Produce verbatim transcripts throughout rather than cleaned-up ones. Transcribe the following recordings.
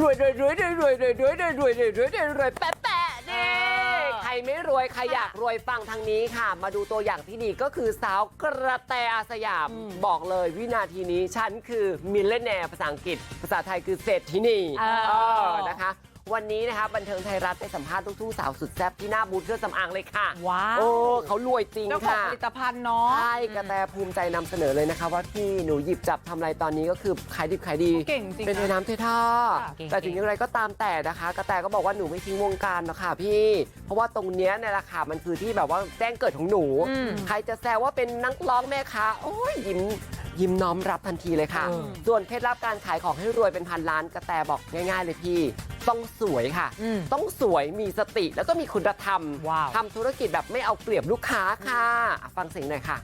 วยรวยรวยรวยรวยรวยรวยรวยรวยรวยรวยรวยรวยแปะแปะนี่ใครไม่รวยใครอยากรวยฟังทางนี้ค่ะมาดูตัวอย่างที่ดีก็คือสาวกระแตอาสยามบอกเลยวินาทีนี้ฉันคือมิลเลนเนียร์ภาษาอังกฤษภาษาไทยคือเศรษฐินีเออนะคะวันนี้นะคะบันเทิงไทยรัฐได้สัมภาษณ์ลูกทุ่งสาวสุดแซ่บที่หน้าบูธเครื่องสำอางเลยค่ะว้าวโอ้เขารวยจริงค่ะเจ้าของผลิตภัณฑ์เนาะใช่กระแตภูมิใจนำเสนอเลยนะคะว่าพี่หนูหยิบจับทำอะไรตอนนี้ก็คือขายดิบขายดีเก่งจริงเป็นเทน้ำเทท่าแต่ถึงอย่างไรก็ตามแต่นะคะกระแตก็บอกว่าหนูไม่ทิ้งวงการหรอกค่ะพี่เพราะว่าตรงเนี้ยเนี่ยแหละค่ะมันคือที่แบบว่าแจ้งเกิดของหนูใครจะแซวว่าเป็นนักร้องแม่ค้าโอ้ยยิ้มยิ้มน้อมรับทันทีเลยค่ะส่วนเคล็ดลับการขายของให้รวยเป็นพันล้านกระแตบอกง่ายๆเลยพี่ต้องสวยค่ะต้องสวยมีสติแล้วก็มีคุณธรรมทำธุรกิจแบบไม่เอาเปรียบลูกค้าค่ะฟังเสียงหน่อยค่ะ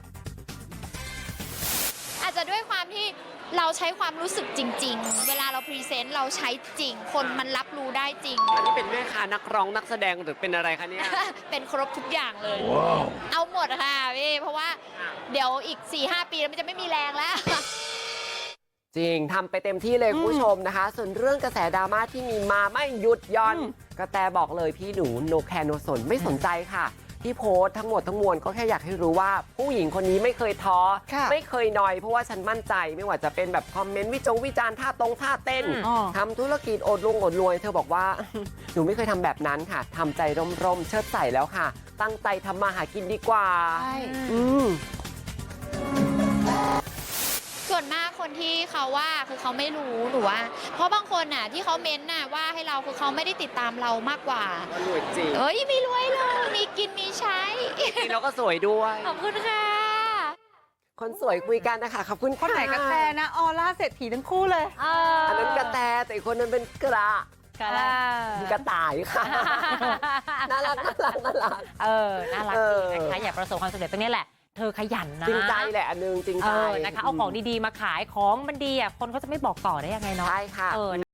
อาจจะด้วยความที่เราใช้ความรู้สึกจริงๆเวลาเราพรีเซนต์เราใช้จริงคนมันรับรู้ได้จริงอันนี้เป็นแม่ค้านักร้องนักแสดงหรือเป็นอะไรคะเนี่ยเป็นครบทุกอย่างเลย wow. เอาหมดค่ะพี่เพราะว่าเดี๋ยวอีก สี่ห้า ปีแล้วมันจะไม่มีแรงแล้วจริงทำไปเต็มที่เลยคุณผู้ชมนะคะส่วนเรื่องกระแสดราม่าที่มีมาไม่หยุดย่อนกระแตบอกเลยพี่หนูโนแคร์โนสนไม่สนใจค่ะที่โพสต์ทั้งหมดทั้งมวลก็แค่อยากให้รู้ว่าผู้หญิงคนนี้ไม่เคยท้อไม่เคยนอยเพราะว่าฉันมั่นใจไม่ว่าจะเป็นแบบคอมเมนต์วิจงวิจารณ์ท่าตรงท่าเต้นทำธุรกิจอดลงอดรวยเธอบอกว่าหนูไม่เคยทำแบบนั้นค่ะทำใจร่มๆเชิดใส่แล้วค่ะตั้งใจทำมาหากินดีกว่าอืมส่วนมากคนที่เขาว่าคือเขาไม่รู้หนูว่าเพราะบางคนน่ะที่เขาเม้นน่ะว่าให้เราคือเขาไม่ได้ติดตามเรามากกว่ารวยจริงเอ้ยไม่รวยเลยมีกินมีใช้จริงแล้วก็สวยด้วยขอบคุณค่ะคนสวยคุยกันนะคะขอบคุณคนไหนกระแตนะออร่าเศรษฐีทั้งคู่เลยอันนั้นกระแตแต่อีกคนนั้นเป็นกระกระต่ายค่ะน่ารักน่ารักน่ารักเออน่ารักจริงนะคะอยากประสบความสำเร็จตรงนี้แหละเธอขยันนะจริงใจแหละอันนึงจริงใจนะคะเอาของดีๆมาขายของมันดีอ่ะคนเขาจะไม่บอกต่อได้ยังไงเนาะใช่ค่ะ